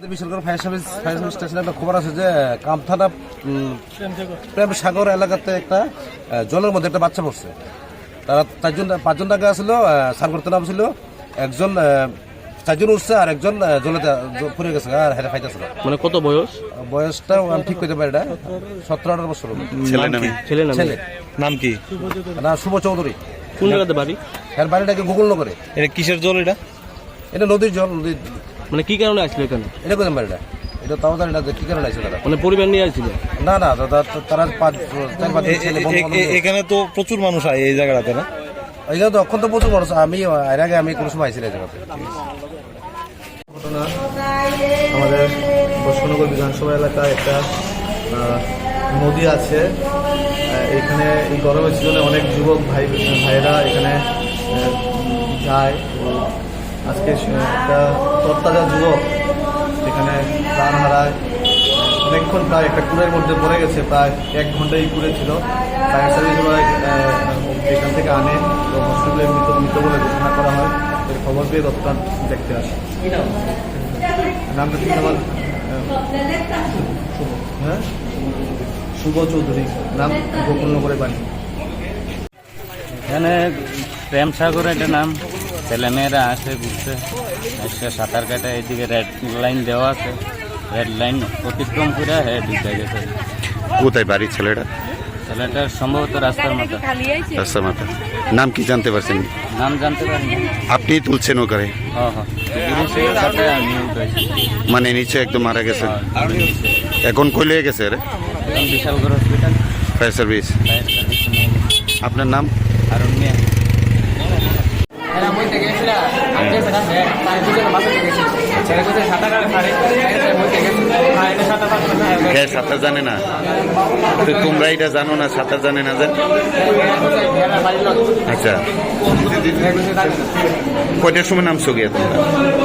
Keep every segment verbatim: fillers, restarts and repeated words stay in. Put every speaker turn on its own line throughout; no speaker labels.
Bishalgarh fire service fire service স্টেশনে একটা খবর আছে যে কামথানা প্রেম সাগর এলাকাতে একটা জলের মধ্যে একটা বাচ্চা পড়ছে। তারা চারজন পাঁচজন টাকা আসছিল, সার করতে নাম ছিল, একজন চারজন উঠছে আর একজন জলেতে পড়ে গেছে আর হেরে খাইতেছিল।
মানে কত বয়স?
বয়সটা আমি ঠিক করতে পারি না, সতেরো আঠারো বছর।
ছেলে নাম ছেলে ছেলে
নাম কি?
না, শুভ চৌধুরী।
কোন জায়গাতে বাড়ি?
এর বাড়িটাকে গুগল নগরে।
এটা কিসের জল? এটা
এটা নদীর জল। নদীর
মানে কি কারণে আসলো এখানে? এটা
কোথায় বাড়িটা? এটা তাও জানি না কি কারণে আসছে তারা।
মানে পরিবার নিয়ে আসছিল?
না না, তারা পাঁচ চার পাঁচ ছেলে।
এখানে তো প্রচুর মানুষ হয় এই জায়গাটাতে না?
এখানে তো এখন তো প্রচুর মানুষ। আমি এর আগে আমি কোনো সময় আইছিলাম এই জায়গাতে।
ঘটনা আমাদের বৈষ্ণনগর বিধানসভা এলাকায় একটা নদী আছে। এখানে এই গরমের সিজনে অনেক যুবক ভাই ভাইয়েরা এখানে যায়। আজকে একটা তরতাজা যুবক এখানে প্রাণ হারায়। অনেকক্ষণ প্রায় একটা কুড়ের মধ্যে পড়ে গেছে, প্রায় এক ঘন্টাই কুড়ে ছিল। ফায়ার সার্ভিস এখান থেকে আনে, তো হসপিটালে মৃত মৃত বলে ঘোষণা করা হয়। খবর পেয়ে তৎক্ষণাৎ দেখতে আসে। নামটা ঠিক আমার হ্যাঁ শুভ চৌধুরী, নাম গোকুলনগরে বাড়ি।
এখানে প্রেম সাগর একটা নাম, ছেলেমেয়েরা আসে ঘুরতে, এসে সাঁতার কাটে। এদিকে রেড লাইন দেওয়া আছে, রেড লাইন অতিক্রম করে হ্যাঁ ঢুকে গেছে।
কোথায় বাড়ি ছেলেটা?
ছেলেটার সম্ভবত রাস্তার মাথা।
রাস্তার মাথা। নাম কি জানতে পারছেন?
নাম জানতে পারিনি।
আপনি তুলছেন ওখানে?
হ্যাঁ হ্যাঁ, গিরিশের সাথে আমি উঠেছি।
মানে নিচে একদম মারা গেছে। এখন কই লিয়ে গেছে রে?
Bishalgarh hospital
fire service.
Fire service.
আপনার নাম?
আরুণ মিয়া।
সাঁতার জানে না তো? তোমরা এটা জানো না সাঁতার জানে না? যে আচ্ছা, কয়টার সময় নামছো গিয়ে তোমরা?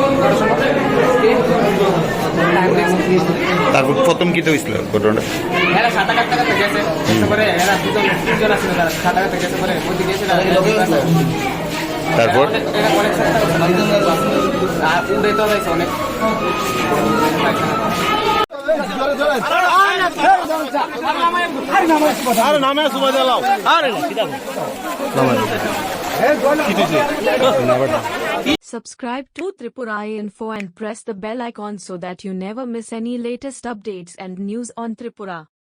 তারপর প্রথম কি তো হয়েছিল ঘটনা? তারপর
Subscribe to Tripura Info and press the bell icon so that you never miss any latest updates and news on Tripura.